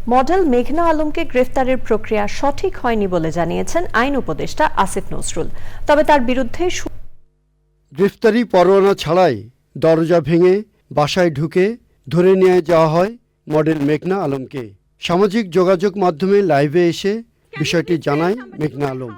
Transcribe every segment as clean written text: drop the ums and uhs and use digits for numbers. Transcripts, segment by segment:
Model মেঘনা আলমকে গ্রেফতারের প্রক্রিয়া সঠিক হয়নি বলে জানিয়েছেন আইন উপদেষ্টা আসিফ নজরুল। তবে তার বিরুদ্ধে গ্রেফতারি পরোয়ানা ছাড়াই দরজা ভেঙে বাসায় ঢুকে ধরে নিয়ে যাওয়া হয় মডেল মেঘনা আলমকে। সামাজিক যোগাযোগ মাধ্যমে লাইভে এসে বিষয়টি জানায় মেঘনা আলম।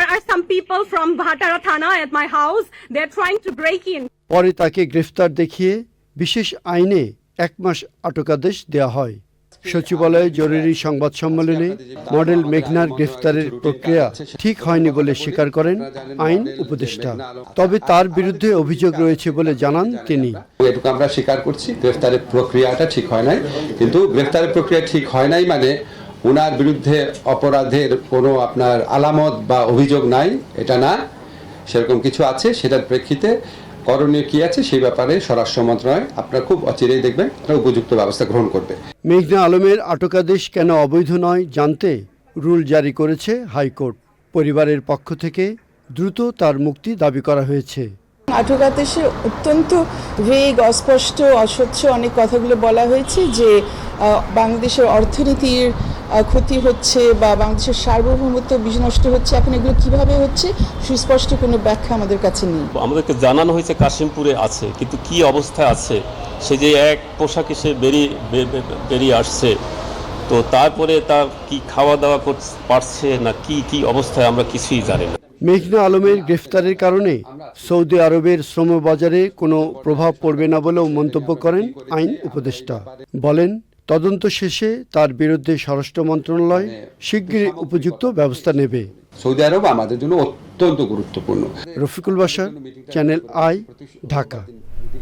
পরে তাকে গ্রেফতার দেখিয়ে বিশেষ আইনে 1 মাস আটকাদেশ দেওয়া হয়। সচিবালয়ে জরুরি সংবাদ সম্মেলনে মডেল মেঘনার গ্রেফতারের প্রক্রিয়া ঠিক হয়নি বলে স্বীকার করেন আইন উপদেষ্টা। তবে তার বিরুদ্ধে অভিযোগ রয়েছে বলে জানান তিনি। এটুকু আমরা স্বীকার করছি, গ্রেফতারের প্রক্রিয়াটা ঠিক হয় নাই। কিন্তু গ্রেফতারের প্রক্রিয়া ঠিক হয় নাই মানে ওনার বিরুদ্ধে অপরাধের কোনো আপনার আলামত বা অভিযোগ নাই, এটা না। সেরকম কিছু আছে, সেটার প্রেক্ষিতে করণীয় কি আছে সেই ব্যাপারে স্বরাষ্ট্র মন্ত্রণালয় আপনারা খুব অচিরেই দেখবেন, উপযুক্ত ব্যবস্থা গ্রহণ করবে। মেঘনা আলমের আটকাদেশ কেন অবৈধ নয় জানতে রুল জারি করেছে হাইকোর্ট। পরিবারের পক্ষ থেকে দ্রুত তার মুক্তি দাবি করা হয়েছে। আটকাদেশে অত্যন্ত ভেগ, অস্পষ্ট, অস্বচ্ছ অনেক কথাগুলো বলা হয়েছে যে বাংলাদেশের অর্থনীতির ক্ষতি হচ্ছে বা বাংলাদেশের সার্বভৌমত্ব বিনষ্ট হচ্ছে। এখন এগুলো কিভাবে হচ্ছে সুস্পষ্ট কোনো ব্যাখ্যা আমাদের কাছে নেই। আমাদেরকে জানানো হয়েছে কাশিমপুরে আছে, কিন্তু কি অবস্থায় আছে, সে যে এক পোশাকে সে বেরিয়ে আসছে, তো তারপরে তার কি খাওয়া দাওয়া পারছে না কি অবস্থায় আমরা কিছুই জানি না। মেঘনা আলমের গ্রেফতারের কারণে সৌদি আরবের শ্রম বাজারে কোনো প্রভাব পড়বে না বলেও মন্তব্য করেন আইন উপদেষ্টা। বলেন, তদন্ত শেষে তার বিরুদ্ধে স্বরাষ্ট্র মন্ত্রণালয় শিগগিরই উপযুক্ত ব্যবস্থা নেবে। সৌদি আরব আমাদের জন্য অত্যন্ত গুরুত্বপূর্ণ। Rafiqul Bashar, Channel I, Dhaka.